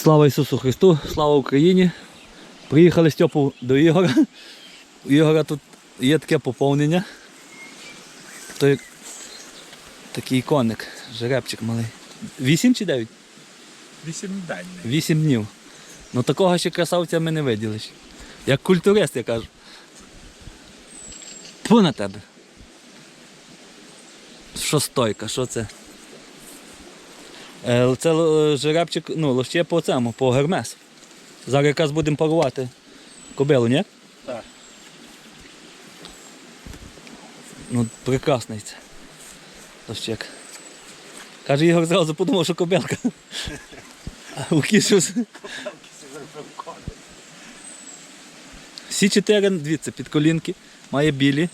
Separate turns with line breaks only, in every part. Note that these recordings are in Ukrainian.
Слава Ісусу Христу, слава Україні. Приїхали Стьопу до Ігора. У Ігора тут є таке поповнення. Той такий коник, жеребчик малий. 8 чи 9?
8 день.
8 днів. Ну такого ще красавця ми не виділи. Як культурист, я кажу. Тьфу на тебе. Що стойка, що це? Це жеребчик, ну, лоще по цьому, по Гермес. Зараз якраз будемо парувати кобилу, ні?
Так.
Ну, прекрасний це. Лощек. Каже, Ігор зразу подумав, що кобилка. А у кішу... Всі 4, дивіться, під колінки. Має білі.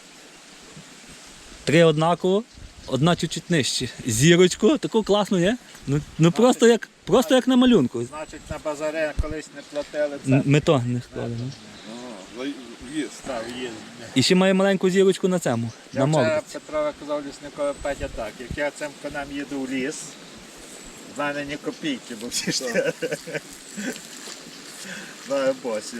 3 однаково. Одна чуть-чуть нижче. Зірочку, таку класну, ні? Ну просто як на малюнку.
Значить, на базарі колись не платили це.
Ми то не склали. ні?
В'їзд. Так, в'їзд.
І ще має маленьку зірочку на цьому, на
Я
морді.
вчора Петрові казав лісникові Петя так, як я цим конем їду в ліс, в мене ні копійки, бо всі ж знаю босів.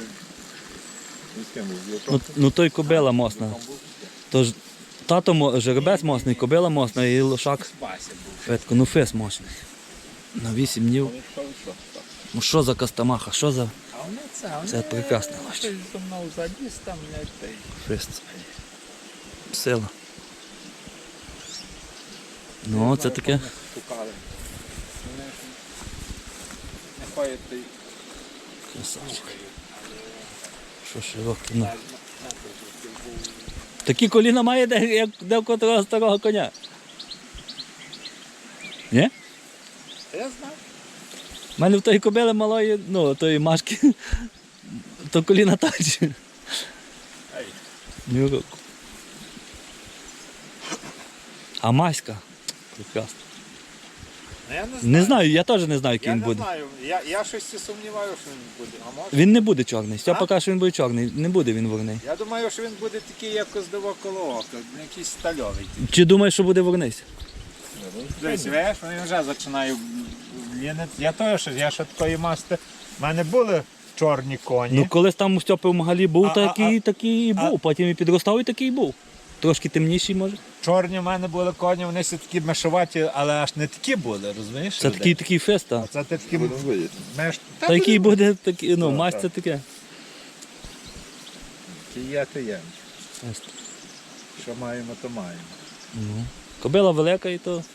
Ну той кобила мосна. Тож тато жеребець мосний, кобила мосна і лошак.
Вася був.
Фетко, ну фес мощний. На 8 днів. Ну що за кастамаха, що за
А вони
Це прекрасно,
Щось зі мною заліз там, не той.
фест? Сила. Ну, це таке.
Шукали. Вони не ходять той.
Красавчик. Що широкий, ну. Такі коліна має, де в котрого старого коня. Ні?
Я знаю.
У мене в тої кобили малої, ну, тої Машки, то коліна так же.
Ей.
Ні року. А Маська? Прекрасно.
Ну, я
Не знаю, я теж не знаю, який
Я
він
не
буде.
знаю, я щось і сумніваюся, що він буде. А може?
Він не буде чорний. Стьопа
А?
каже, що він буде чорний. Не буде він вогний.
Я думаю, що він буде такий, як коздово коло ока, якийсь стальовий.
Чи думаєш, що буде вогнись?
Дивись, видиш, він вже починає лінити. Я теж, я ще такої масти. У мене були чорні коні.
Ну, колись там у Стьопи в Магалі був,
А,
такий і був. Потім і підростав, і такий і був. Трошки темніший, може.
Чорні в мене були коні, вони все такі мешуваті, але аж не такі були, розумієш?
Це такий фест, так.
Це ти такі меш...
Та який буде такий, ну, масть це таке.
Ті є, то є.
Фест.
Що маємо, то маємо.
Ну. Кобила велика і то.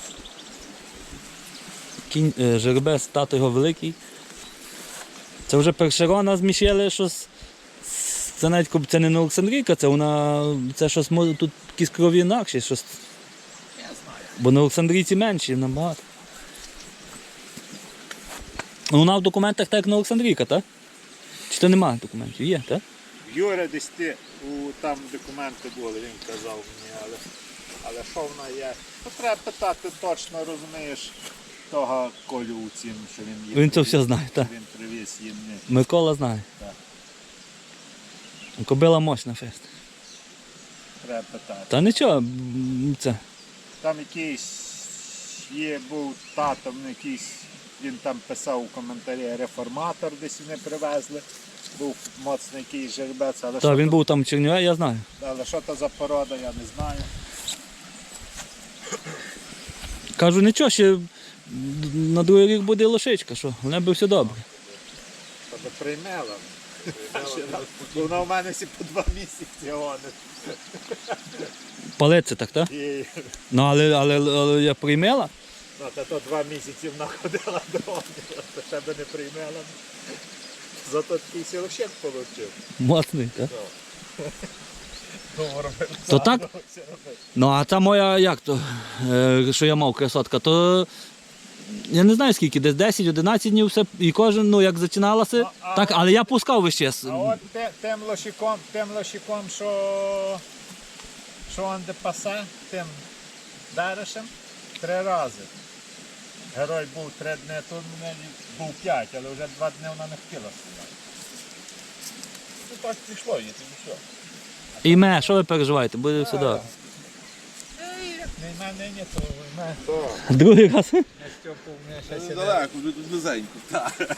Кінь, жеребець, тато його великий. Це вже першерона зміщили, що це навіть це не Олександрійка, це вона, це щось тут якісь крові інакші, щось.
Я знаю.
Бо на Олександрійці менші набагато. Ну, вона в документах так як на Олександрійка, так? Чи то немає документів? Є, так?
Юра десь ти, там документи були, він казав мені, але що вона є? Ну, треба питати точно, розумієш, того Колю у цім, що він є.
Він це все знає, так.
Він привіз їм.
Микола знає.
Так.
Кобила мощна фест.
Треба питати.
Та нічого, це.
Там якийсь був татом, якийсь, він там писав у коментарі реформатор, десь вони привезли. Був моцний якийсь жеребець, але,
Та, він був там в Чернівці, я знаю.
але що то за порода, я не знаю.
Кажу, нічого, ще на другий рік буде лошичка, що, в неї все добре.
Тобто приймела. Вона у мене всі по 2 місяці гонить.
Палиться так, так?
І
Ну, але я приймела.
ну, то 2 місяці вона ходила до гонила, то ще би не приймела. Зато такий сілощек отримав.
Моцний, так? То так? Ну, а та моя, як то, що я мав красотка, то я не знаю скільки, десь 10-11 днів все, і кожен, ну, як зачиналося, так, але я пускав весь час.
А от тим лошиком, що он де пасе, тим Даришем, 3 рази. Герой був 3 дні, тут був 5, але вже 2 дні вона не хотіла сідати. Ну так пішло, і все.
І що ви переживаєте, буде все добре.
Ні, війна нині, то війна.
Другий раз.
Я Стьопу, у мене щось іде.
Далеко, вже тут близенько. Так.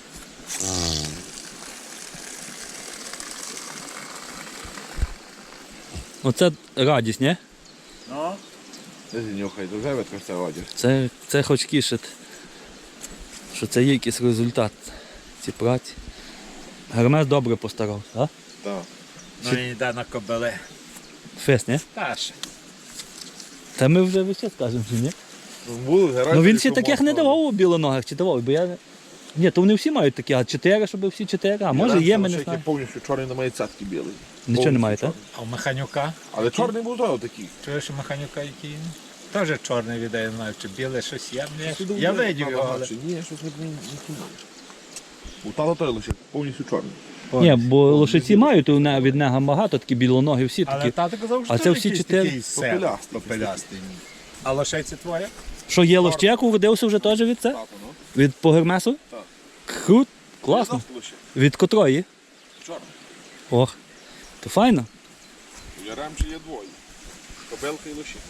Оце радість, ні?
Ну,
Де нюхай, то вже відкрився одяг.
Це хоч кішить, що це є якийсь результат ці праці. Гермес добре постарався, так?
Так.
ну і йде на кобили.
Фест, ні?
Старше.
Та ми вже весь час кажемо, що ні? Ну він ще таких не давав у білоногих, чи давав, бо я... Ні, то вони всі мають такі, а 4, щоб всі 4, а може є, ми не знаємо.
Повністю чорний на мої цятки білий.
Нічого немає, так?
А у Механюка?
Але чорний був знову такий.
Чуєш у Механюка який? Теж чорний віддає, не знаю, чи біле щось є. Я видів його, але...
Ні, щось не помню. У тата той лише повністю чорний.
Ні, бо лошиці мають від нього багато, такі білоногі всі
Але
такі.
тато казав, що
А це всі
якийсь
4?
такий
Попелястий.
попелястий. А лошейці твоя?
Що є лощек, уродився вже теж від це?
Тато, ну.
Від по Гермесу?
Так.
Крут, класно. Від котрої?
Чорний.
Ох, то файно.
У Яремчі є двоє. Кобелка і лоші.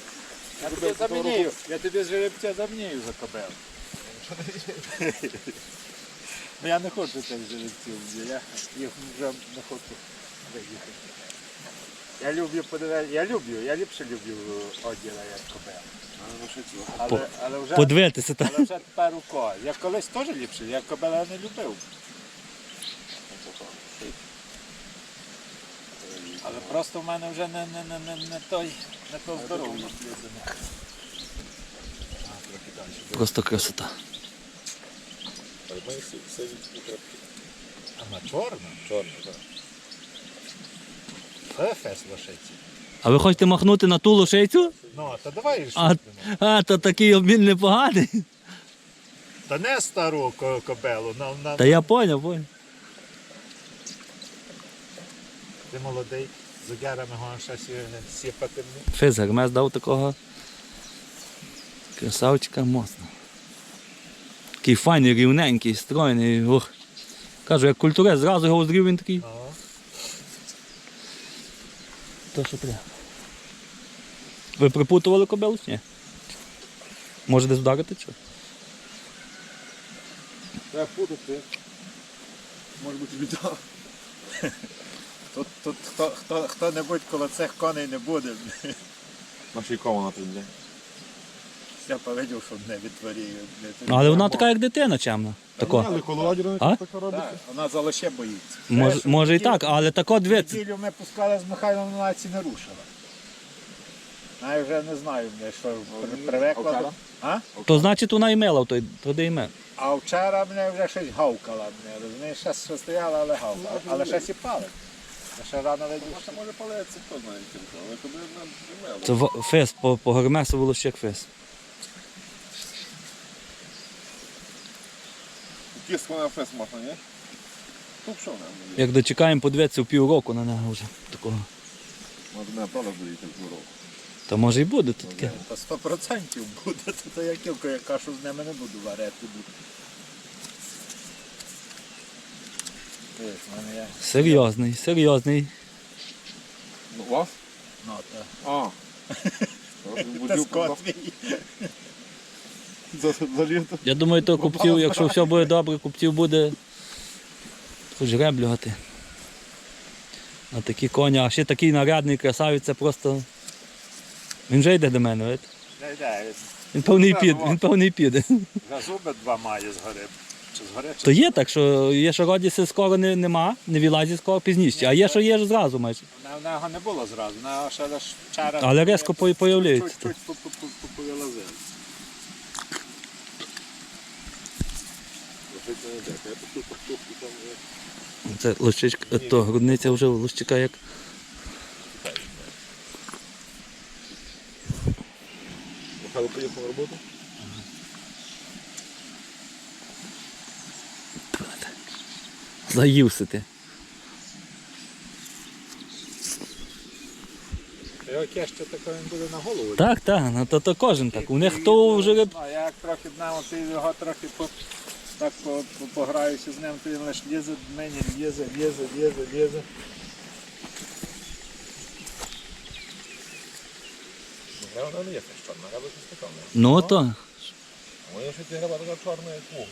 Я тобі жеребця замінюю за кобел. Я не хочу цих жеребців, я їх вже не хочу виїхати. Я ліпше люблю оділа, як кобел. Але вже,
Подивитися, так.
але вже тепер у кого. Я колись теж ліпше, я кобела не любив. Але просто в мене вже не то здоров'я.
Просто красота.
А на чорну? Чорну, так. Це фес лошиці.
А ви хочете махнути на ту лошицю?
Ну, то давай
То такий обмін непоганий.
Та не стару кобелу,
Та я поняв.
Ти молодий, з огярами гон щось сіпати.
Фес Гермес дав такого красавчика моцно. Такий файний, рівненький, стройний. Ох. Кажу, як культурець, зразу його зрів, він такий. То, що треба. Ви припутували кобилу чи ні? Може десь вдарити чи?
Треба путати. Може бути біда.
Тут хто-небудь коло цих коней не буде.
Наші кого на туди.
Я повидів, що не відтворює.
Але вона така, як дитина, чемна. Тако.
Але коло одягу
А?
не така робиться.
Так, вона за лоще боїться.
Може і так, але тако дивиться.
Неділю ми пускали з Михайлом, вона ці не рушила. Я вже не знаю, що привикла.
вчора?
А?
То значить вона і мила, туди і ми.
А вчора мене вже щось гавкала. Розумієш, ще стояла, але гавкала. Але ще сіпали. Ще рано видів.
Може палеться, хто знає кілька, але тобі не мело.
Це фес, по Гермесу волощек фес.
Кістку на фест можна, ні? Тут що нам?
Як дочекаємо, подивитися в півроку на нього вже такого.
Може мене правда буде цього року.
Та може і буде тут таке.
Та 100% буде, то я кілька, я кашу з ними не буду варити. Дивись, в мене є.
Серйозний.
Ну, у вас?
Ну, та.
А.
Та скот твій.
За літо.
Я думаю, то купців, якщо все буде добре, купців буде хоч греблювати. А такі коні, а ще такий нарядний красавець, це просто... Він вже йде до мене, видите? Він певний піде.
Вже зуби два має згори. Чи згори, чи
То є так, що є, що родіться скоро нема, не вилазить скоро пізніше, а є, що є зразу майже.
в нього не було зразу, в нього ще лише вчора.
Але різко появляється.
Чуть-чуть повилазили.
Це лощичка, то грудниця вже лощика як.
Михайло поїхав на роботу?
Заївся ти.
Його кеще тако він буде на голову.
Так, ну то кожен так. У них то вже
А я як трохи днем, ти його трохи пограюся з ним, то він лише лізе до мене, лізе.
Не, вона не є теж чорна, граба якась така.
Ну то.
Моя ще ті граба така чорна, як вугол.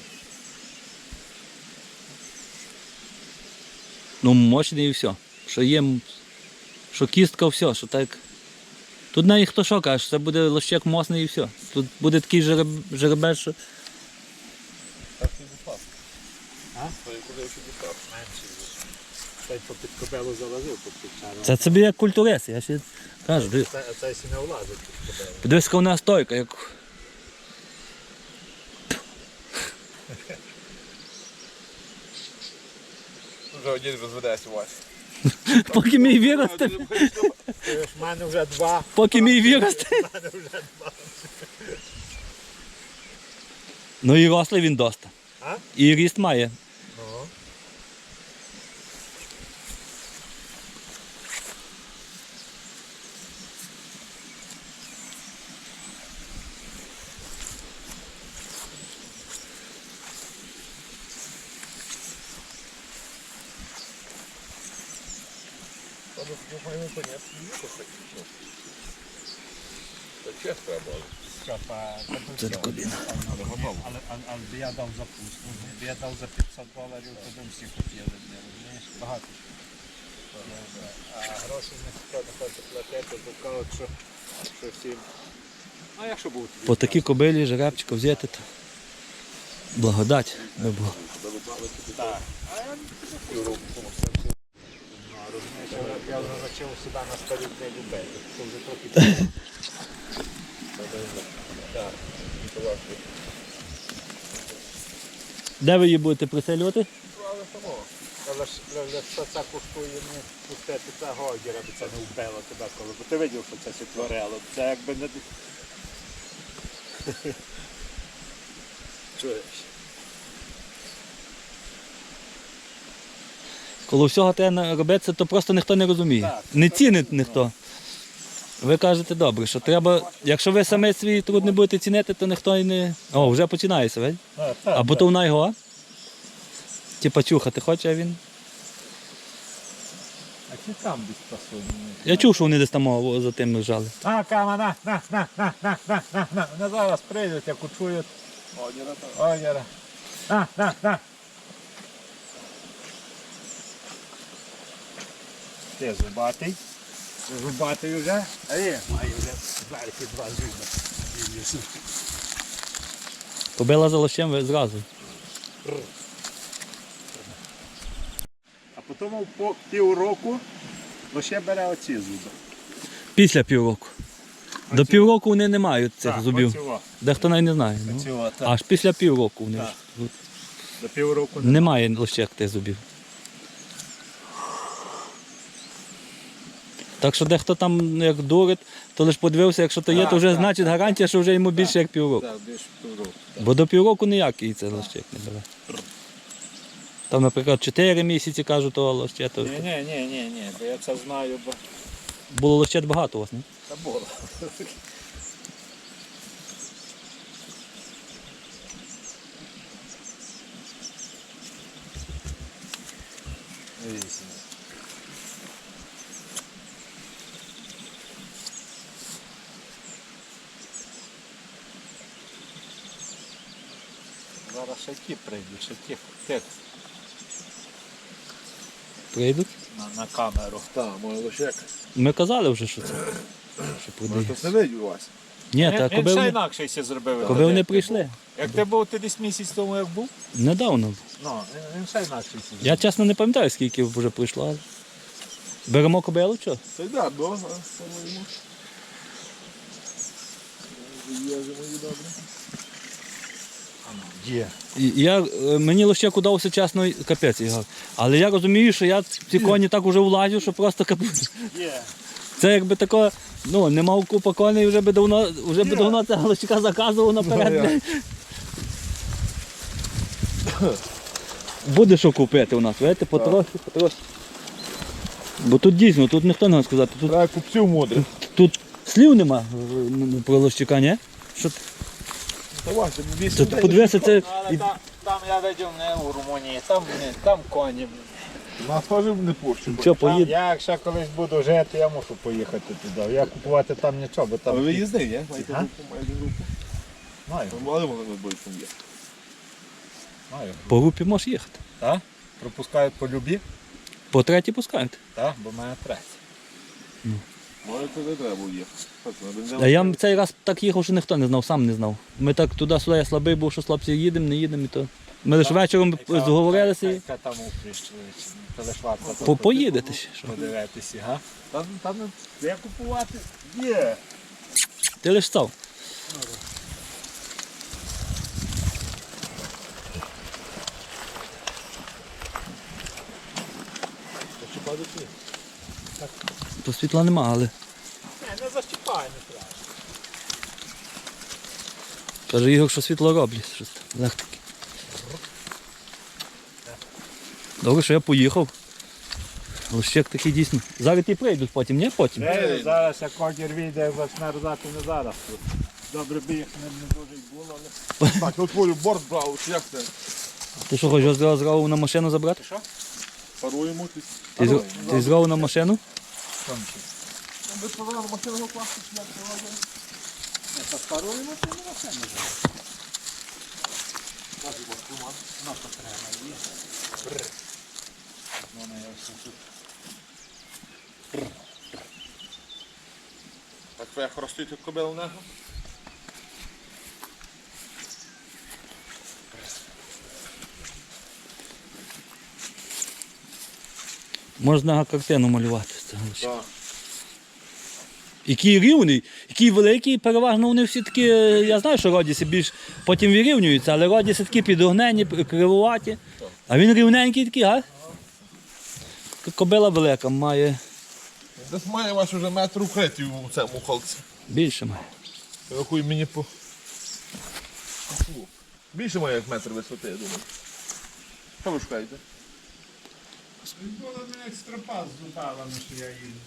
Ну, мощний і все. Що є, що кістка, все, що так. Тут навіть хто що каже, це буде лощек мосний і все. Тут буде такий жеребець, що.
Так і дістав.
А?
То і куди ще дістав.
Менший. Той попід кобелу залазив, попід чаром.
Це собі як культурист, я ще кажу.
Це сі не влазить під кобелу.
Подивись, яка вона стойка, як.
Вже один розведеться Вася.
Поки мій виросте.
В мене вже два.
Поки мій виросте.
В мене вже два.
Ну і рослий він доста.
А?
І ріст має.
Ну.
Ну, маємо понять, що це. Це чесно було.
Це така біна.
Але я дав запустку. Я дав за $500, то дом всі хотіли. Розумієш? Багато. А гроші ніхто не хоче платити, бо кажуть, що всім. А якщо був тобі?
По такій кобилі жеребчика взяти, то благодать би було.
Так. Розумієш, я вже почав сюди на старі не любити. Це вже трохи. Так.
Де ви її будете приселювати?
Але що це коштує не пустити цього одіра, бо це не вбило тебе коли. Бо ти видів, що це творило. Це якби не... Чуєш?
Коли всього треба робити, то просто ніхто не розуміє.
Так.
Не цінить ніхто. Ви кажете добре, що треба, якщо ви самі свій труд не будете цінити, то ніхто і не... О, вже починається, ведь? Або то вона його. Типа чухати хоче, а він.
А чи там десь пасує?
Я чув, що вони десь там за тим лежали.
На, кама, на. Вони зараз прийдуть, як учують одіра. На. Ти зубатий. Зубатий вже. А є, має вже зверху два зуби.
Побила за лощем ви зразу.
А потім по півроку лише бере оці зуби.
Після півроку. До півроку вони не мають цих
Так,
зубів.
оцього.
Дехто навіть не знає. Ну.
Оцього, так.
Аж після півроку вони
Так.
ж.
До півроку
Немає лощек тих зубів. Так що дехто там як дурить, то лише подивився, якщо то є,
Так,
то вже
так,
значить гарантія, що вже йому більше як півроку.
Так, більше півроку.
Бо до півроку ніякий це лощек не бере. Там, наприклад, 4 місяці кажуть, то лоще, то
Ні, бо я це знаю, бо
було лощет багато у вас, не?
це було. Вісім. Зараз ще ті прийдуть, ще ті тих
Прийдуть.
на камеру.
Так, моя лошек.
Ми казали вже, що це. Що
Може,
продає.
хтось не видів Вася.
Ні, та
Він
коби
ще
вони,
інакше все зробив.
коби вони прийшли.
Як ти був ти десь місяць тому, як був?
Недавно.
Ну, він ще інакше все зробив.
Я чесно не пам'ятаю, скільки вже прийшло. Але... Беремо кобилу, що?
Та й да, до, самому. Є вже мої добре.
Є.
Мені лише удався чесно капець, Ігор. Але я розумію, що я в ці коні так уже влазю, що просто капець.
Є.
Це якби тако, ну, не мав купа коней, вже би давно цього лощика заказував наперед. Буде що купити у нас, видите, потрохи. Бо тут дійсно, тут ніхто не може сказати.
Треба купців мудрих.
Тут слів нема про лощика, ні? Що
Та Вася,
Тут подивися, це
Але там я видів не у Румунії, там коні.
Нас теж не пущу.
Що, поїде?
Я якщо колись буду жити, я мушу поїхати туди. Я купувати там нічого, бо там...
Але ви їздив, ні? Маєте
Ага.
групу, маєте групу.
Маю,
Але вони не будуть там є.
маю.
По групі можеш їхати.
Так? Пропускають по любі?
По третій пускають.
Так, бо в мене третя.
Може, це не треба їхати.
А я цей раз так їхав, що ніхто не знав, сам не знав. Ми так туди-сюди, я слабий був, що хлопці їдемо, не їдемо. І то. Ми лише вечором зговорилися і
Яка там упріщ, то лиш варто
поїдете ще. Що?
подивитися, га?
Там де купувати? Є.
Ти лиш став.
Що падає чи ні?
То світла нема, але
Не защіпай, не треба.
каже Ігор, що світло роблять. Щось там, легтики. Добре, що я поїхав. Лущик такий дійсно. Зараз ті прийдуть потім, ні? Потім.
Зараз як когір вийде, почне рзати не зараз. Добре би їх не дуже й було, але...
Так, я твою борт брав, чи як це?
Ти що, хочеш зразу на машину забрати?
Що?
Паруємо.
Ти зразу на машину?
Ви сказали, машину класти, чи як це робимо?
Не паспаруємо, то не машини вже. Ну, то треба, є. Бррр. Воно я все тут.
Так ви як ростите кобилу нього?
Можна картину малювати з цього лущика.
Так.
Який рівний, який великий, переважно вони всі такі, я знаю, що родіси більш потім вирівнюються, але родіси такі підогнені, кривуваті. А він рівненький такий, га? Кобила велика, має
Десь має ваш уже метр укритів у цьому холці.
більше має.
Рахуй мені по... Більше має як метр висоти, я думаю. Що ви шукаєте?
Було мене екстропас з зубалами, що я їм.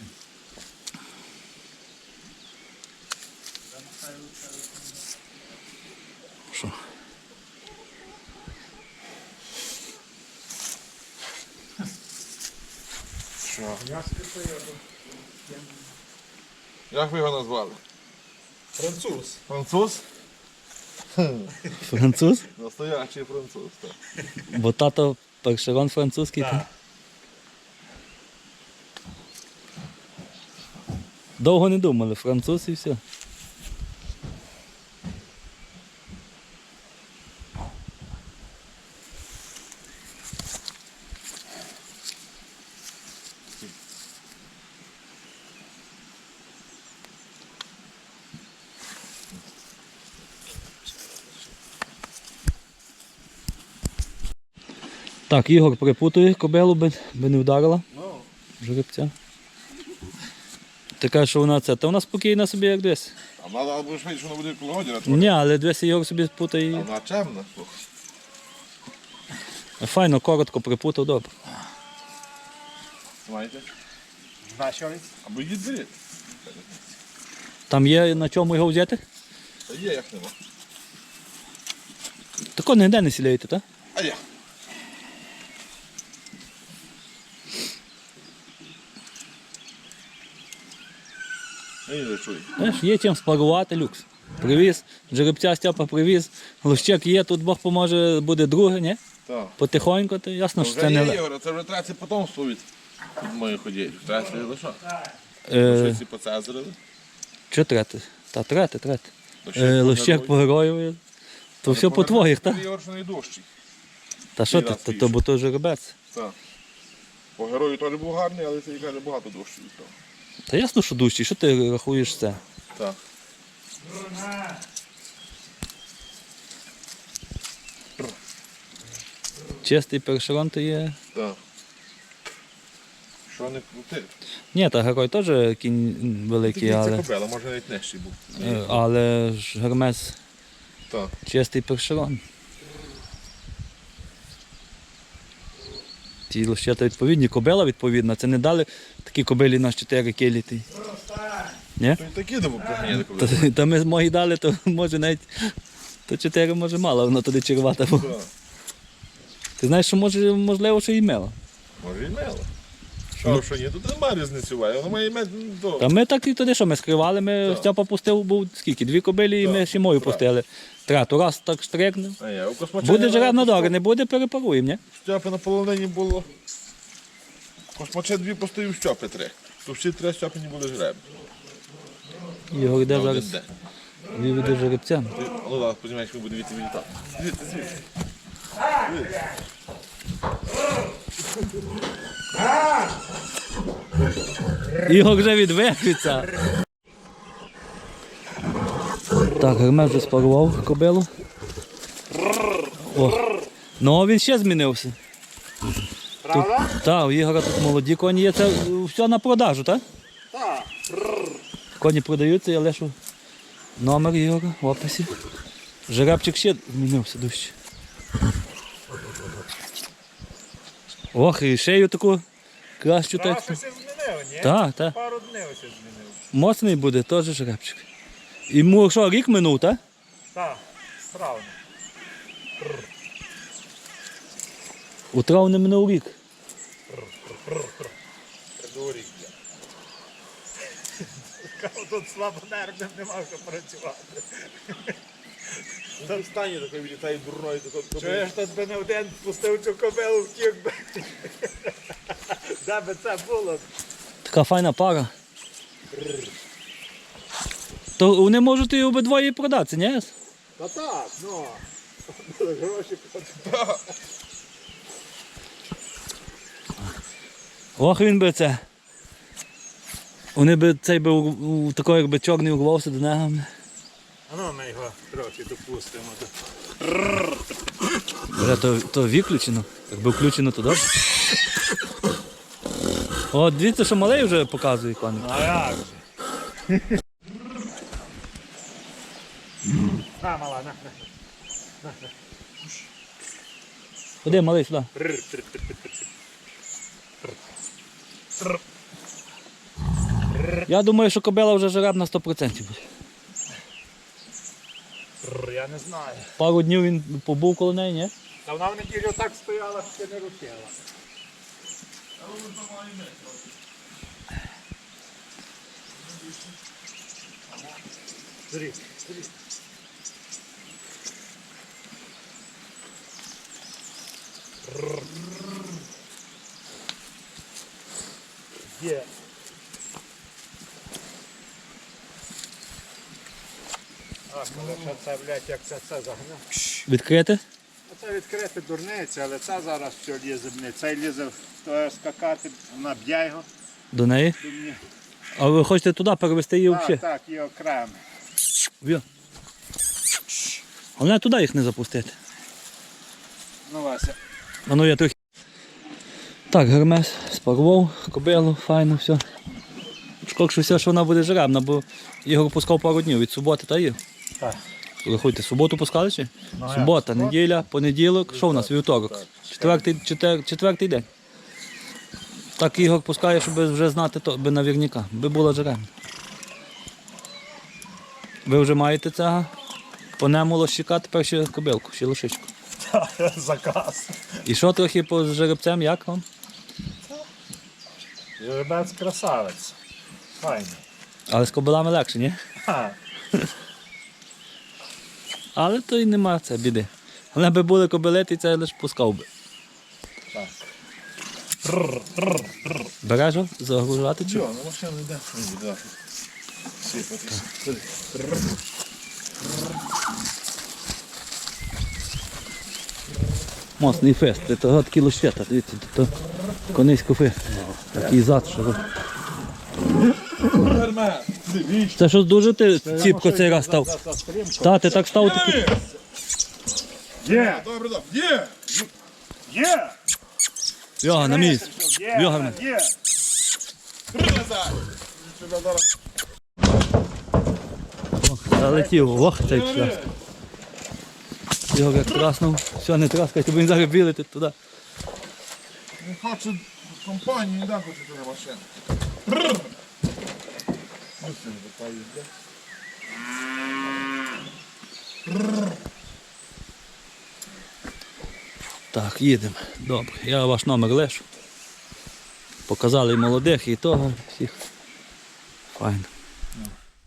Що?
Що?
Я скрипаю.
Як ви його назвали?
Француз.
Француз?
Француз?
Настоящий француз, так.
Бо тато першерон французький.
Так.
та. Довго не думали, француз і все. Так, Ігор припутує кобилу, би не вдарила жеребця. Ти кажеш, що вона це, та вона спокійна собі як десь.
А вона або швидше, що вона буде коло година.
Ні, але десь Ігор собі
А
спутає.
вона чемна, слухай.
Файно, коротко припутав, добре.
Знаєте?
Значить,
Або їдь беріть.
Там є на чому його взяти?
Та є, як нема.
Тако ніде не сіляєте, так?
А я. Я не чую.
Знаєш, є чим спарувати, люкс. Привіз, жеребця Степа привіз, лущик є, тут Бог поможе, буде друге, ні?
Так.
Потихоньку, то ясно, що
Вже
це не
є,
легко.
Ігор, це вже третє потомство від моїх ходів. Третє, ну що?
Е,
Щось і поцезарили.
Що третє? Та третє.
Лущик
Лущик по герою. То все по твоїх, так?
Ігор, що найдужчий.
Та що
раз
ти,
більше.
то бо то жеребець.
Так. По герою теж був гарний, але це каже багато дужчий від того.
Та ясно, що дужчий, що ти рахуєш це?
Так.
Чистий першерон то є.
Так. Що не крути?
Ні, та герой теж кінь великий,
Тільки це
але,
кобила, може навіть нижчий був.
але ж гермес
Так.
чистий першерон. Ті лощата відповідні, кобила відповідна. Це не дали такі кобилі на 4 кілі. Ні?
То й такі до проганяли кобили.
Та ми мої дали, то може навіть то 4 може мало, воно туди червата. Бо.
Так.
Ти знаєш, що можливо, що і мила.
Може і мело. Що ні, тут немає різниці, воно має мед до.
Та ми так і туди, що ми скривали, ми Степа пустив, був скільки, 2 кобилі, і ми ще мою пустили. Трету раз так штрикнув.
А я у космача.
Буде жеребна добре, не буде, перепаруємо, ні?
Стьопи на полонині було. Космаче 2 постою, Стьопи 3. То всі 3 Стьопи не були жеребні.
Його йде
На один
зараз,
день.
виведе жеребця.
Ну так, сподіваюся, ми будемо відлітати. Звідти.
Ігор вже відвикується. Так, Гермес вже спарував кобилу. О. Ну, він ще змінився.
Правда?
Так, у Ігора тут молоді коні є. Це все на продажу, так?
Так.
Коні продаються, я лишу номер Ігора в описі. Жеребчик ще змінився дужче. Ох, і шею таку кращу.
Раз щось змінив, ні?
Так, так.
Пару днів ось змінив.
Моцний буде, теж жеребчик. Йому що, рік минув, так?
Так, справді.
У травні минув рік.
Придурік. Тут слабонервним нема що працювати.
Там в стані такий вилітає дурною такою.
Чуєш, тут би не один пустив цю кобилу, втік би. Де би це було?
Така файна пара. То вони можуть і обидвоє продатися, ні?
Та так, ну. Були гроші платити.
Ох, він би це. Вони би цей би такий, якби чорний урвався до нього.
А ну ми його трохи допустимо.
Бля, то виключено. Якби включено, то добре. От дивіться, що малий вже показує коник.
А як же? На, мала, на.
Ходи, малий, сюди. Я думаю, що кобила вже жеребна 100% буде.
Я не знаю.
Пару днів він побув коло неї, ні?
Та вона в неділю так стояла, що не рухала. Зрі. Є. А, коли ще це, блядь, як це загнав.
Відкрити?
Оце відкрити дурниця, але це зараз все лізе, цей лізе в скакати, вона б'є його.
До неї.
до мене.
А ви хочете туди перевести її
Так,
взагалі?
так, і окремо.
В'я. Головне туди їх не запустити.
Ну, Вася.
А ну я трохи. Так, Гермес спарував, кобилу, файно, все. Шкода, що все, що вона буде жеребна, бо Ігор пускав пару днів від суботи, та є?
Так.
Рахуйте, суботу пускали чи?
Ну,
Субота,
як?
неділя, понеділок, що у нас? Вівторок. Четвертий день. Так Ігор пускає, щоб вже знати, то, би навірняка, би була жеребна. Ви вже маєте цього? По нему лощика, тепер ще кобилку, ще лошичку.
Заказ.
І що трохи по жеребцям, як вам?
Жеребець красавець. Файний.
Але з кобилами легше, ні?
Ха.
Але то й нема це біди. Але би були кобили, ти це лише пускав би.
Так.
Береш його, загружати чи?
Чого, ну машина йде. Ні, так. Сипатись.
Моцний фест, це того такий лощета, дивіться, то конейський фест. Такий зад, що. Це щось дуже ти ціпко цей раз став. Та, ти так став такий.
Є!
Добре, добре. Є!
Є!
Йога, на місці.
Є!
Йога.
Є!
Назад! Сюди зараз.
Залетів, ох, цей шлях. Його як траснув, все, не траскайте, бо він зараз білити туди.
Не хочу компанію, не дам хочу туди машину. Ось він така їзде.
Так, їдемо. Добре, я ваш номер лишу. Показали і молодих, і того, всіх. Файно.